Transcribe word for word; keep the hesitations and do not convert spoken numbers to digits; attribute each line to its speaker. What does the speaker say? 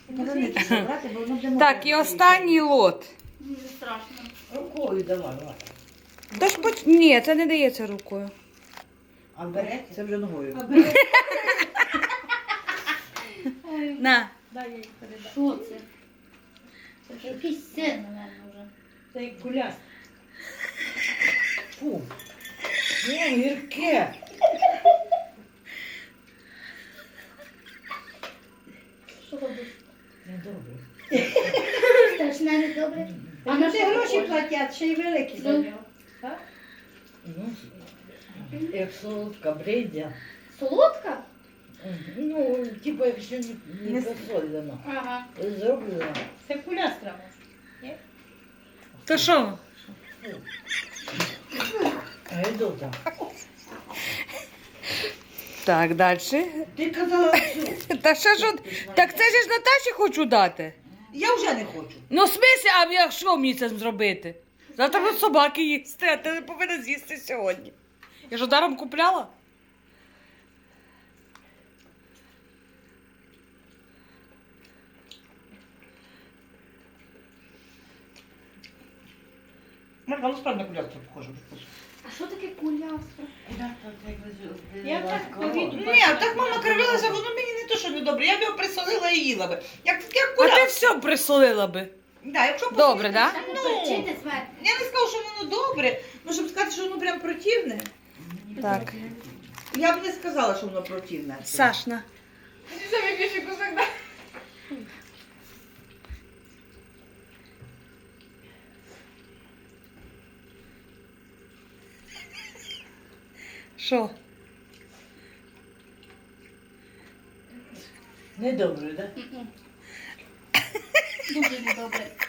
Speaker 1: Повернити, що брати, бо воно буде
Speaker 2: Так, і останній лот.
Speaker 3: Дуже страшно.
Speaker 1: Рукою давай, давай.
Speaker 2: Тож поч... Ні, це не дається рукою.
Speaker 1: А берете? Це вже ногою.
Speaker 2: На.
Speaker 3: Дай я їх передам. Що це? Це ж якийсь син, мабуть, вже.
Speaker 1: Це як куляс. Фу. Ні, гірке.
Speaker 3: Що робиш?
Speaker 1: Недобре.
Speaker 3: Страшне, не добре.
Speaker 4: А на що гроші платять, ще й великі за нього.
Speaker 1: Ну, як солодка бредя.
Speaker 3: Солодка?
Speaker 1: Ну, типу, якщо не, не посолено.
Speaker 3: Ага.
Speaker 1: Зроблено.
Speaker 4: Це куляс треба.
Speaker 2: То що?
Speaker 1: Гайдота.
Speaker 2: Так, далі.
Speaker 1: Ти казала цю.
Speaker 2: Та що ж, от- так це ж Наташі хочу дати.
Speaker 1: Я вже не хочу.
Speaker 2: Ну, в смислі, а я що мені це зробити? Завтра будуть собаки їсти, а ти не повинна з'їсти сьогодні. Я ж даром купляла?
Speaker 1: Марка, ну справді на куляску похоже.
Speaker 3: А що таке кулястра?
Speaker 4: Я так повіду.
Speaker 1: Ні, так мама кривилася, воно мені не то, що не добре. Я б його присолила і їла би. Як, як
Speaker 2: А ти
Speaker 1: куляс.
Speaker 2: все присолила би.
Speaker 1: Да, якщо
Speaker 2: Добре, да?
Speaker 3: Це
Speaker 1: Ну.
Speaker 3: поперчити зверху.
Speaker 1: Я не скажу, що воно добре, ну щоб сказати, що воно прям противне.
Speaker 2: Так.
Speaker 1: Я б не сказала, що воно противне.
Speaker 2: Сашна.
Speaker 3: Самі більше кусок, да?
Speaker 2: Що?
Speaker 1: Недобре, так?
Speaker 3: Дуже недобре.